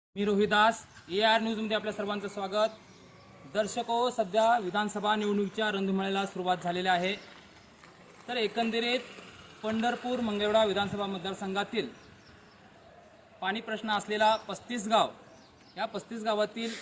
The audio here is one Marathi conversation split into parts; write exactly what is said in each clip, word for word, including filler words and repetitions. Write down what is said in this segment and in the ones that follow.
मी रोहिदास ए आर न्यूजमध्ये आपल्या सर्वांचं स्वागत. दर्शको, सध्या विधानसभा निवडणुकीच्या रणधुमाळीला सुरुवात झालेली आहे. तर एकंदरीत पंढरपूर मंगळवेढा विधानसभा मतदारसंघातील पाणी प्रश्न असलेला पस्तीस गाव, या पस्तीस गावातील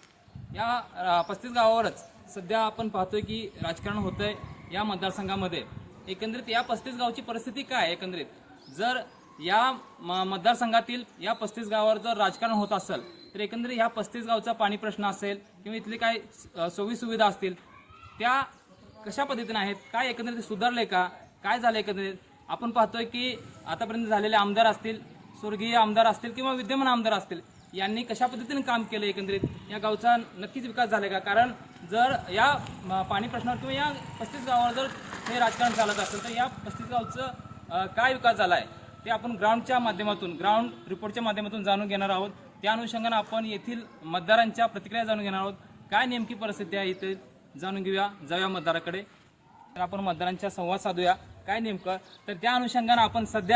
या पस्तीस गावावरच सध्या आपण पाहतोय की राजकारण होतंय या मतदारसंघामध्ये. एकंदरीत या पस्तीस गावची परिस्थिती काय, एकंदरीत जर या मतदारसंघातील या पस्तीस गावावर जर राजकारण होत असेल तर एकंदरीत ह्या पस्तीस गावचा पाणी प्रश्न असेल किंवा इथली काय सोयी सुविधा असतील त्या कशा पद्धतीने आहेत, काय एकंदरीत सुधारले का, काय झालं एकंदरीत आपण पाहतोय की आतापर्यंत झालेले आमदार असतील, स्वर्गीय आमदार असतील किंवा विद्यमान आमदार असतील, यांनी कशा पद्धतीने काम केलं, एकंदरीत या गावचा नक्कीच विकास झाला का. कारण जर या पाणी प्रश्नावर किंवा या पस्तीस गावावर जर हे राजकारण चालत असेल तर या पस्तीस गावचं काय विकास झाला आहे ते आपण ग्राउंडच्या माध्यमातून ग्राउंड रिपोर्टच्या माध्यमातून जाणून घेणार आहोत. त्या अनुषंगाने आपण येथील मतदारांच्या प्रतिक्रिया जाणून घेणार आहोत. काय नेमकी परिस्थिती आहे इथे जाणून घेऊया, जाऊया मतदाराकडे. तर आपण मतदारांच्या संवाद साधूया काय नेमकं. तर त्या अनुषंगाने आपण सध्या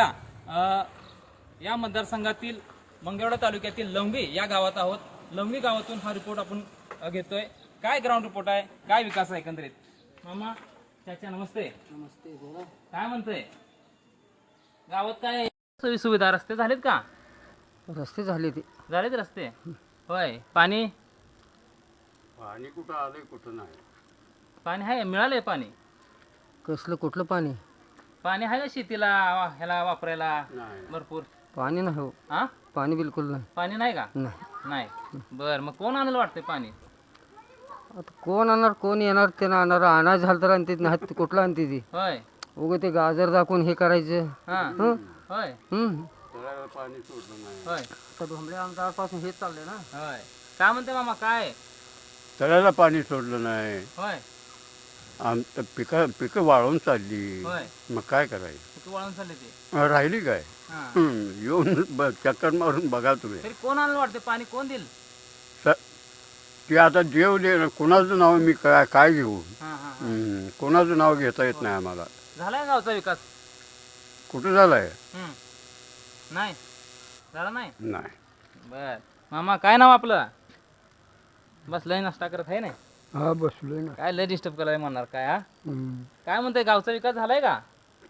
या मतदारसंघातील मंगळवेढा तालुक्यातील लवंगी या गावात आहोत. लवंगी गावातून हा रिपोर्ट आपण घेतोय. काय ग्राउंड रिपोर्ट आहे, काय विकास आहे एकंदरीत. मामा, चाचा नमस्ते. नमस्ते, बोला. काय म्हणतोय गावात, काय सोयी सुविधा, रस्ते झालेत का? रस्ते झाले ते झालेत रस्ते, होय. पाणी पाणी कुठं आलंय कुठं नाही. पाणी आहे, मिळालंय पाणी. कसलं कुठलं पाणी? पाणी आहे का शेतीला ह्याला वापरायला नाही. भरपूर? पाणी नाही हो, हा, पाणी बिलकुल नाही. पाणी नाही का? नाही. नाही. बर, मग कोण आणलं वाटतंय पाणी? आता कोण आणणार, कोण येणार, त्यानं आणणार. आणायचं झालं तर आणते, नाही तर कुठलं आणते ती. होय. उगं ते गाजर दाखवून हे करायचं. हा, हं? होय हं. तळ्याला पाणी सोडलं नाही. होय तर भोंबळे आमदारपासून हेच चाललंय ना. होय. काय म्हणते मामा, काय? तळ्याला पाणी सोडलं नाही. होय आम पिकं पिकं वाळून चालली. होय. मग काय करायचं, तू वळून चालले ते. राहिली काय. हा, हं, येऊन ब- चक्कर मारून बघा तुम्ही. तरी कोण आणलं वाटतं पाणी, कोण देईल? स ते आता देव दे, कोणाचं नाव मी काय काय घेऊ. हा हा हा. हं, कोणाचं नाव घेता येत नाही आम्हाला. झालाय गावचा विकास? कुठं झालंय? हम्म. नाही झाला नाही. नाही. बर, मामा काय नाव आपलं? बसलंय नाश्ता करत आहे ना. हा, बसलोय ना. काय लय डिस्टर्ब करायला म्हणणार काय. हा, हं. काय म्हणतोय गावचा विकास झालाय का?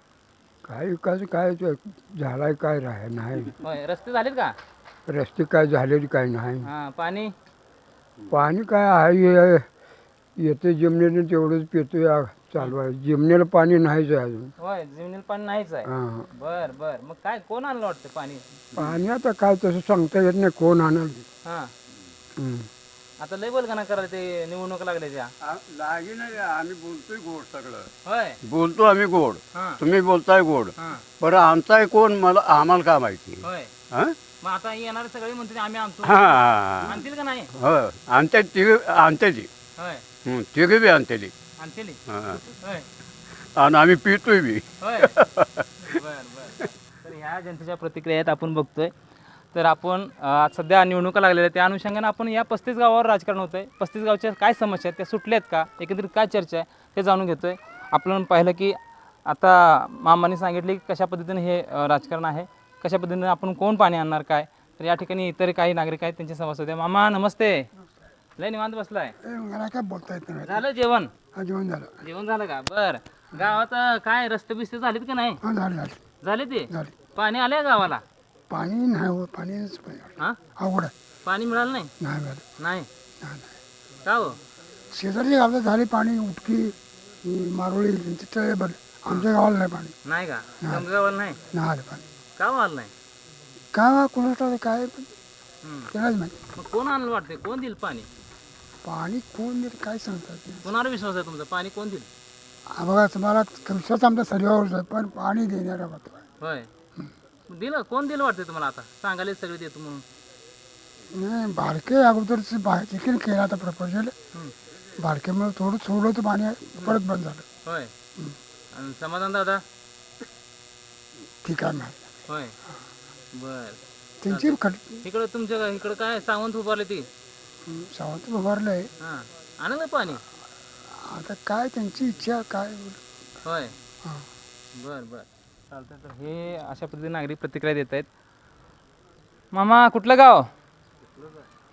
काय विकास काय ते झालाय, काय राह नाही. होय. रस्ते झालेत का? रस्ते काय झाले काय नाही. हा, पाणी? पाणी काय आहे, येते जमिनीने तेवढंच पितो या चालू आहे. जमिनीला पाणी नाहीच आहे अजून. होय, जमिनीला पाणी नाहीच आहे. हां. बर बर, मग काय कोण आणलं वाटतं पाणी? पाणी आता काय तसं सांगता येत नाही कोण आणल. हा, हं. आता लय बोलगाना करायला ते निवडणूक लागले त्या. लागी नाही, आम्ही बोलतोय गोड सगळं. होय. बोलतो आम्ही गोड, हा तुम्ही बोलताय गोड. हा. बरं आमचाय कोण, मला आम्हाला काय माहिती. होय. हं? मग आता येणारे सगळे म्हणते आम्ही आणतो. हा, आणतील का नाही? हो आणते तिघ आणतेली. होय. तिघे बी आणतेली. आणतील. हा. होय आणि आम्ही पितोय बी. होय. बर बर. तर ह्या जनतेच्या प्रतिक्रिया आहेत आपण बघतोय. तर आपण आज सध्या निवडणुका लागलेल्या आहेत, त्या अनुषंगाने आपण या पस्तीस गावावर राजकारण होतंय. पस्तीस गावच्या काय समस्या आहेत, त्या सुटल्या आहेत का, एकंदरीत काय चर्चा आहे ते जाणून घेतोय. आपण पाहिलं की आता मामांनी सांगितले की कशा पद्धतीने हे अ, राजकारण आहे, कशा पद्धतीने आपण कोण पाणी आणणार काय. तर या ठिकाणी इतर काही नागरिक आहेत, त्यांचे संवाद होते. मामा नमस्ते. लय निवांत बसलाय. मला काय बोलता येत नाही. झालं जेवण? जेवण झालं. जेवण झालं का? बर. गावात अ, काय रस्ते बिस्ते झालेत का नाही? हा, झाले झाले झाले ते. झाले. पाणी आलंय गावाला? पाणी नाही हो, पाणीच हा, अवघड आहे. पाणी मिळालं नाही? नाही झालं. नाही. नाही नाही. का हो? शेजारची गावाला झाले पाणी, उटकी, ही मारोळी, तिथे बरं. आमच्या गावाला नाही पाणी. नाही का? तुमच्या गावाला नाही? नाही आलं पाणी. का हो आलं नाही? काय कोणाला काय हम्म. त्यालाच माहिती. मग कोण आणलं वाटतंय, कोण देईल पाणी? पाणी कोण देईल काय सांगतात. कोणावर विश्वास आहे तुमचा, पाणी कोण देईल? हा बघा, तुम्हाला विश्वास आमच्या सर्वावरच आहे, पण पाणी देणारा मात्र आहे. होय. दिलं कोण दिलं वाटतंय तुम्हाला? आता सांगायला सगळे देतो म्हणून. नाही, बारके अगोदरच बाहेर देखील केला आता प्रपोजल. हम्म. बारकेमुळे थोडं सोडलं तर पाणी परत बंद झालं. होय. आणि समाधान दादा? ठीक आहे नाही. होय. बर. त्यांची खट इकडं तुमच्या इकडं काय सावंत उभारले ती? सावंत उभारलंय. हां, आणलं पाणी? आता काय त्यांची इच्छा काय. होय. हां. बर बर, चालतंय. तर हे अशा पद्धतीने नागरिक प्रतिक्रिया देत आहेत. मामा कुठलं गाव?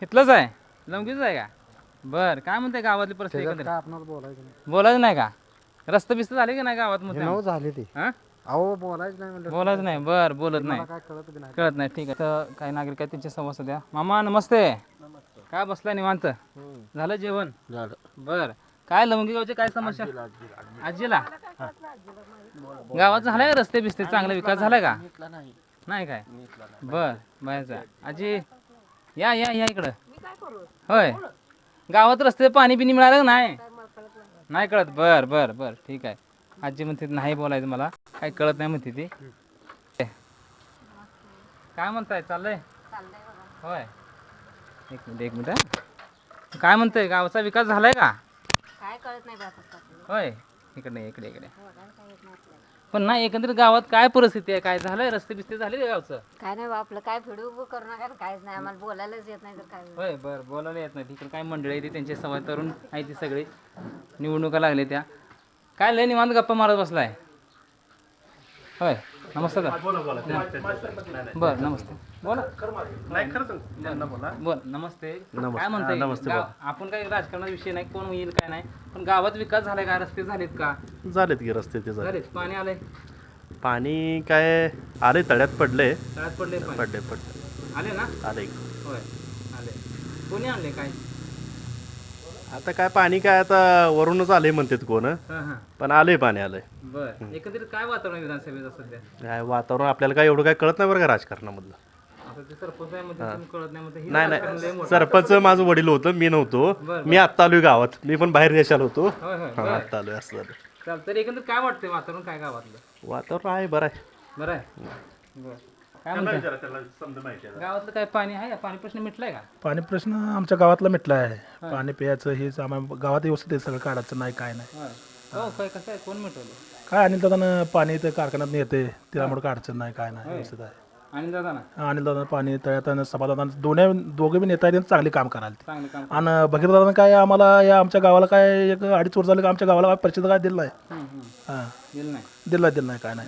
इथलंच आहे लवंगीच आहे का बर काय म्हणते गावातली परिस्थिती एकंदरीत? आपणाला बोलायचं नाही बोलायचं नाही का रस्ते बिस्त झाले की नाही गावात मग नऊ झाले ते हा अहो बोलायचं नाही म्हणलं बोलायचं नाही बर बोलत नाही काय कळत बी नाही कळत नाही ठीक आहे तर काही नागरिक आहेत त्यांचे संवाद द्या मामा नमस्ते काय बसलाय निवांत झालं जेवण झालं बर काय लवंगी गावची काय समस्या आजीला गावात झालाय का रस्ते बिस्ते चांगला विकास झालाय का नाही काय बर बायचा आजी या या या इकडं होय गावात रस्ते पाणी बिनी मिळालं का नाही नाही कळत बर बर बर ठीक आहे आजी म्हणते नाही बोलायचं मला काही कळत नाही म्हणते ती काय म्हणताय चाललंय होय एक मिनिट एक मिनिट हा. काय म्हणतंय गावाचा विकास झालाय का काय कळत नाही बाबा होय इकडे इकडे इकडे पण नाही एकंदरीत गावात काय परिस्थिती आहे काय झालंय रस्ते बिस्ते झाले का गावचं काय नाही बा आपलं काय फिडू करू नका ना, काहीच नाही आम्हाला बोलायलाच येत नाही तर काय होईल? होय बरं बोलायला येत नाही तिकडे काय मंडळी आहे ती त्यांचे सवय तरुण आहे ती सगळी निवडणुका लागले त्या काय लय निवांत गप्पा मारत बसलाय होय नमस्ते बर नमस्ते बोला बोल नमस्ते काय म्हणताय गाव- आपण काही राजकारणाचा विषय नाही कोण येईल काय नाही पण गावात विकास झालाय का रस्ते झालेत का झालेत की रस्ते ते झाले झालेत पाणी आलंय पाणी काय आले तळ्यात पडले तळ्यात पडले पाणी पडले पडले आले ना आले होय आले कोणी आणले काय आता काय पाणी काय आता वरूनच आले म्हणतात कोण हां हां पण आले पाणी आलंय बर एकंदरीत काय वातावरण आहे विधानसभेचं सध्या काय वातावरण आपल्याला काय एवढं काय कळत नाही बरं का राजकारणामधलं आता ते सरपंच आहे मध्ये तुम्ही कळत नाही मध्ये नाही नाही सरपंच माझं वडील होतं मी नव्हतो मी आत्ता आलोय गावात मी पण बाहेर देशाला होतो होय होय हा, आत्ता आलोय असं झालं चालतं तर एकंदरीत काय वाटतंय वातावरण काय गावातलं वातावरण आहे बरं आहे बरं आहे बरं काय म्हणताय गावातलं काय पाणी आहे पाणी प्रश्न मिटलाय का पाणी प्रश्न आमच्या गावातला मिटला आहे पाणी प्यायचं हेच आम्हाला गावात व्यवस्थित आहे सगळं काढायचं नाही काय नाही होय हो काय कसं आहे कोण मिटवलं काय अनिल दादानं पाणी इथं कारखान्यात येते त्यामुळे काय अडचण नाही काय नाही व्यवस्थित आहे आणि दादा ना अनिल दादा पाणी तळ्यात सभादादानं दोन्ही दोघे बी नेता आहेत चांगले काम करायला ते. चांगलं काम आणि भगीर दादानं काय आम्हाला या आमच्या गावाला काय एक अडीच वर्ष झाले का आमच्या गावाला काय परिचित काय दिलं नाही हम्म, हम्म. हां दिलं नाही दिलं दिलं नाही काय नाही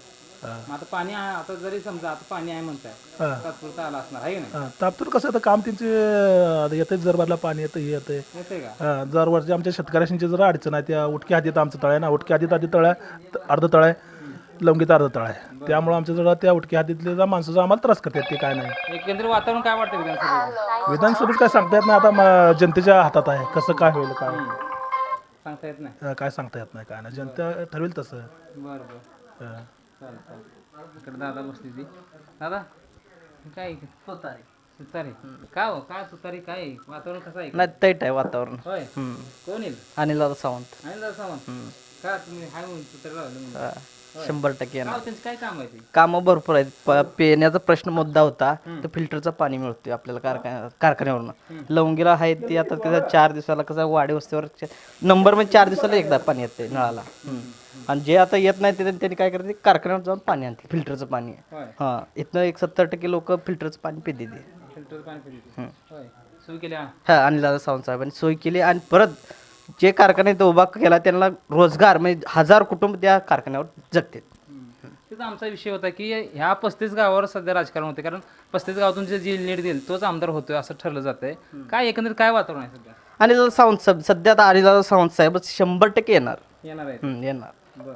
मग आता पाणी आहे आता जरी समजा आता पाणी आहे म्हणताय हां तात्पुरतं आला असणार आहे की नाही हां तापतूर कसं आता काम त्यांचे येते जरबारला पाणी येतं हे येते येते का हा, दरवर्षी आमच्या शेतकऱ्यांची जरा अडचण आहे त्या उटक्या हद्दीत आमचं तळ आहे ना उटक्या हद्दीत आधी तळ आहे अर्ध तळ आहे लवंगीत अर्ध तळ आहे त्यामुळे आमच्या जरा त्या उटक्या हद्दीतले जा माणसं आम्हाला त्रास करतात ते काय नाही एकंदरीत वातावरण काय वाटतं विधानसभेचं विधानसभेत काय सांगता येत नाही आता म- जनतेच्या हातात आहे कसं काय होईल काय सांगता येत नाही हा, काय सांगता येत नाही काय नाही जनता ठरवेल तसं बरं बरं हा. चालेल चालेल इकडे दादा बसली ती दादा काय सुतारी सुतारी का हो काय सुतारी काय वातावरण कसं आहे नाही तैट आहे वातावरण होय कोण येईल अनिल दादा सावंत आणि दादा सावंत का तुम्ही हाय म्हणून सुतारी लावलं म्हणून हा, शंभर टक्के येणार का हो, त्यांचं काय काम आहे ते कामं भरपूर आहेत प- पिण्याचा प्रश्न मुद्दा होता तर फिल्टरचं पाणी मिळतोय आपल्याला कारखान्या कारखान्यावरून लवंगीला आहे ते आता कसं चार दिवसाला कसं वाडी वस्तीवर नंबर म्हणजे चार दिवसाला एकदा पाणी येते नळाला हम्म. आणि जे आता येत नाही ते त्यांनी काय करते कारखान्यावर जाऊन पाणी आणते फिल्टरचं पाणी होय हां इथनं एक सत्तर टक्के लोक फिल्टरचं पाणी पिते ते फिल्टर पाणी पिली होय सुरू केल्या हा अनिल दादा सावंत साहेबांनी सोय केली आणि परत जे कारखाने इथं उभा केला त्यांना रोजगार म्हणजे हजार कुटुंब त्या कारखान्यावर जगतात तिथं आमचा विषय होता की ह्या पस्तीस गावावर सध्या राजकारण होते कारण पस्तीस गावातून जे जी लीड देईल तोच आमदार होतोय असं ठरलं जातंय काय एकंदरीत काय वातावरण आहे सध्या आणि दादा सावंत साहेब सध्या आता अनिल दादा सावंत साहेब शंभर टक्के येणार येणार आहे हम्म, येणार बरं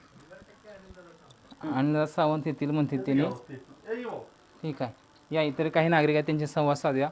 बरं आणि दादा सावंत येतील म्हणते त्याने ठीक आहे या इतर काही नागरिक आहेत त्यांचे संवाद साधूया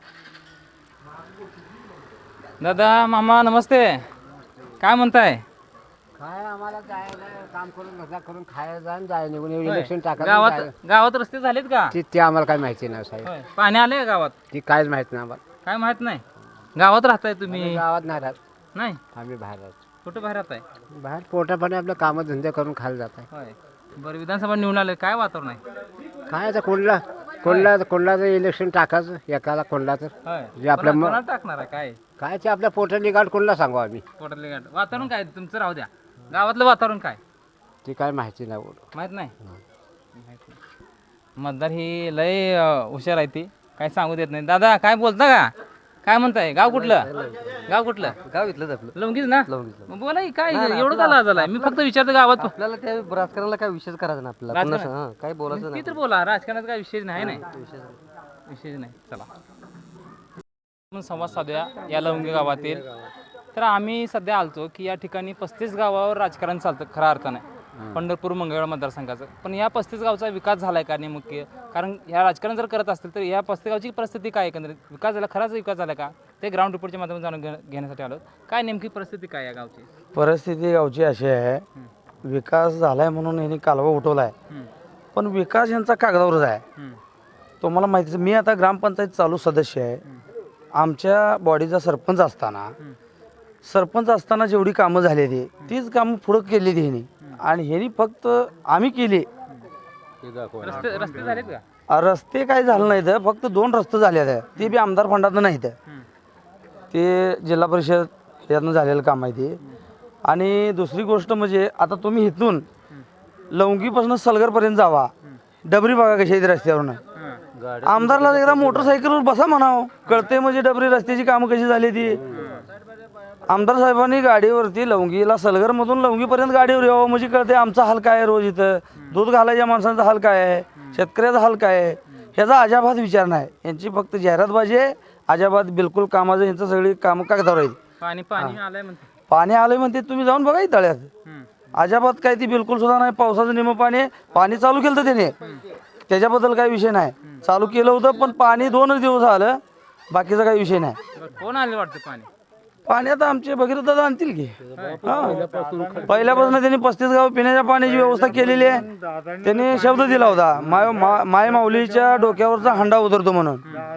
दादा मामा नमस्ते काय म्हणताय काय आम्हाला जायला काम करून धंदा करून खायला जाऊन जाय निघून इलेक्शन टाकायला गावात गावात रस्ते झालेत का ती ते आम्हाला काय माहिती नाही साहेब होय पाणी आले का गावात ती काहीच माहित नाही आम्हाला काय माहित नाही गावात राहताय तुम्ही गावात नाही राहत नाही आम्ही बाहेर राहतो कुठं बाहेर राहताय बाहेर पोटापाणी आपलं कामं धंदे करून खायला जात आहे होय बरं विधानसभा निवडून आले काय वातावरण आहे काय आता कोणला कोणला कोणलाचं इलेक्शन टाकायचं एकाला कोणला तर होय जे आपल्या कोणा- म- कोणाला टाकणार आहे काय काय ते आपल्या पोटाली गाठ कोणला सांगू आम्ही पोटातले गाठ वातावरण काय तुमचं राहू द्या गावातलं वातावरण काय ती काय माहिती नाही बोलू माहित नाही माहित नाही. मतदार ही लय अं, हुशार आहे ती काय सांगू देत नाही दादा काय बोलता का काय म्हणताय गाव कुठलं गाव कुठलं गाव इथलंच आपलं लवंगीच ना मग बोला की काय एवढं का लाज आलाय मी फक्त विचारतो गावात आपल्याला त्या राजकारणाला काय विषय करायचा नाही आपल्याला राजकारण- काय बोलायचं ती तर बोला राजकारणात काय विषय नाही नाही विषय नाही चला आपण संवाद साधूया या लवंगी गावातील. तर आम्ही सध्या आलतो की या ठिकाणी पस्तीस गावावर राजकारण चालतं खऱ्या अर्थाने पंढरपूर मंगळवेढा मतदारसंघाचं. पण या पस्तीस गावचा विकास झाला आहे का नेमके? कारण ह्या राजकारण जर करत असतील तर या पस्तीस गावची परिस्थिती काय एकंदरीत? विकास झाला, खराच विकास झाला का? ते ग्राउंड रिपोर्टच्या माध्यमातून जाणून घे घेण्यासाठी आलो. काय नेमकी परिस्थिती काय या गावची? परिस्थिती गावची अशी आहे, विकास झालाय म्हणून यांनी कालवा उठवलाय, पण विकास यांचा कागदावरच आहे. तुम्हाला माहितीच, मी आता ग्रामपंचायत चालू सदस्य आहे. आमच्या बॉडीचा सरपंच असताना सरपंच असताना जेवढी कामं झालेली तीच कामं पुढं केलेली ह्यांनी, आणि ह्यांनी फक्त आम्ही केली. रस्ते रस्ते झालेत का? रस्ते काय झालं नाहीत, फक्त दोन रस्ते झाले आहेत, ते बी आमदार फंडातनं नाहीत, ते जिल्हा परिषद यातनं झालेलं काम आहे ते. आणि दुसरी गोष्ट म्हणजे आता तुम्ही इथून लवंगीपासून सलगरपर्यंत जावा, डबरी बघा कशी आहे रस्त्यावरून. आमदारला एकदा मोटरसायकलवर बसा म्हणावं, कळते म्हणजे डबरी रस्त्याची कामं कशी झाली ती. आमदार साहेबांनी गाडीवरती लवंगीला सलगरमधून लवंगीपर्यंत गाडीवर यावं म्हणजे कळते आमचा हाल काय आहे रोज इथं, दूध घालायच्या माणसांचा हाल काय आहे, शेतकऱ्याचा हाल काय आहे, ह्याचा अजाबात विचार नाही. यांची फक्त जाहिरातबाजी आहे, अजाबात बिलकुल कामाचं यांचं सगळी कामं कागदावर आहेत. पाणी पाणी आलंय म्हणते. पाणी आलंय म्हणते, तुम्ही जाऊन बघा तळ्यात, अजाबात काय ती बिलकुल सुद्धा नाही. पावसाचं निम पाणी पाणी चालू केलं तर त्याने, त्याच्याबद्दल काही विषय नाही. चालू केलं होतं पण पाणी दोनच दिवस आलं, बाकीचा काही विषय नाही. कोण आले वाटतं पाणी? पाणी आता आमचे भगीरथ दादा आणतील की. हा, पहिल्यापासून त्यांनी पस्तीस गाव पिण्याच्या पाण्याची व्यवस्था केलेली आहे. त्यांनी शब्द दिला होता, माय मा- माय माऊलीच्या डोक्यावरचा हंडा उतरतो म्हणून.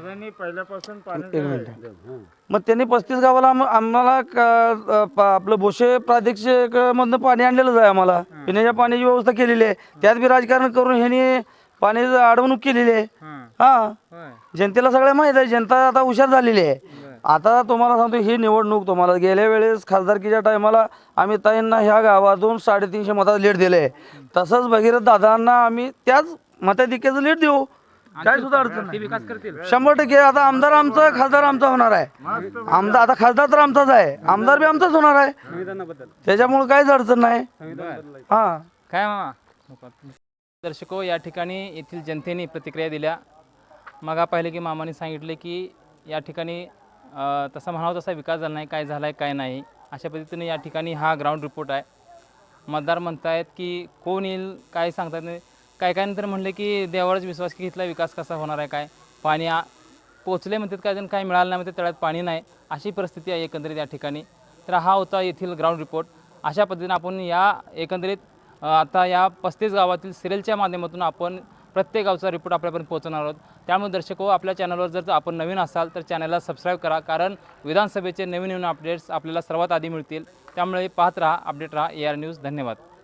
एक मिनिट. मग त्यांनी पस्तीस गावाला आम- आम्हाला क- प- आपलं बोशे प्रादेशिक मधनं पाणी आणलेलंच आहे. आम्हाला पिण्याच्या पाण्याची व्यवस्था केलेली आहे. त्यात बी राजकारण करून ह्यांनी पाण्याची अडवणूक केलेली आहे. हा, जनतेला सगळं माहीत आहे, जनता आता हुशार झालेली आहे. आता तुम्हाला सांगतो, ही निवडणूक तुम्हाला गेल्या वेळेस खासदारकीच्या टायमाला आम्ही ताईंना ह्या गावातून साडेतीनशे मतात लीड दिले आहे. तसंच भगीरथ दादांना आम्ही त्याच मताधिक्याचं लीड देऊ, काय सुद्धा अडचण नाही. विकास करतील शंभर टक्के. आता आमदार आमचा, खासदार आमचा होणार आहे. आमदार आता खासदार तर आमचाच आहे, आमदार बी आमचाच होणार आहे, त्याच्यामुळे काहीच अडचण नाही. हा, काय मामा? दर्शको, या ठिकाणी येथील जनतेने प्रतिक्रिया दिल्या. मग पाहिले की मामाने सांगितले की या ठिकाणी अ, तसा म्हणावं तसा विकास झाला नाही, काय झाला आहे काय नाही, अशा पद्धतीने या ठिकाणी हा ग्राउंड रिपोर्ट आहे. मतदार म्हणतायत की कोण येईल काय सांगतात नाही. काय काय नंतर म्हणले की देवावरच विश्वास की इथला विकास कसा होणार आहे, काय पाणी आ पोचले म्हणतात, काय जण काय मिळालं नाही म्हणते, तळ्यात पाणी नाही, अशी परिस्थिती आहे एकंदरीत या ठिकाणी. तर हा होता येथील ग्राउंड रिपोर्ट. अशा पद्धतीने आपण या एकंदरीत अ, आता या पस्तीस गावातील सिरियलच्या माध्यमातून आपण प्रत्येक गावचा रिपोर्ट आपल्यापर्यंत पोहोचवणार आहोत. त्यामुळे दर्शको, आपल्या चॅनलवर जर आपण नवीन असाल तर चॅनलला सबस्क्राईब करा, कारण विधानसभेचे नवीन नवीन अपडेट्स आपल्याला सर्वात आधी मिळतील. त्यामुळे पाहत राहा, अपडेट राहा ए आर न्यूज. धन्यवाद.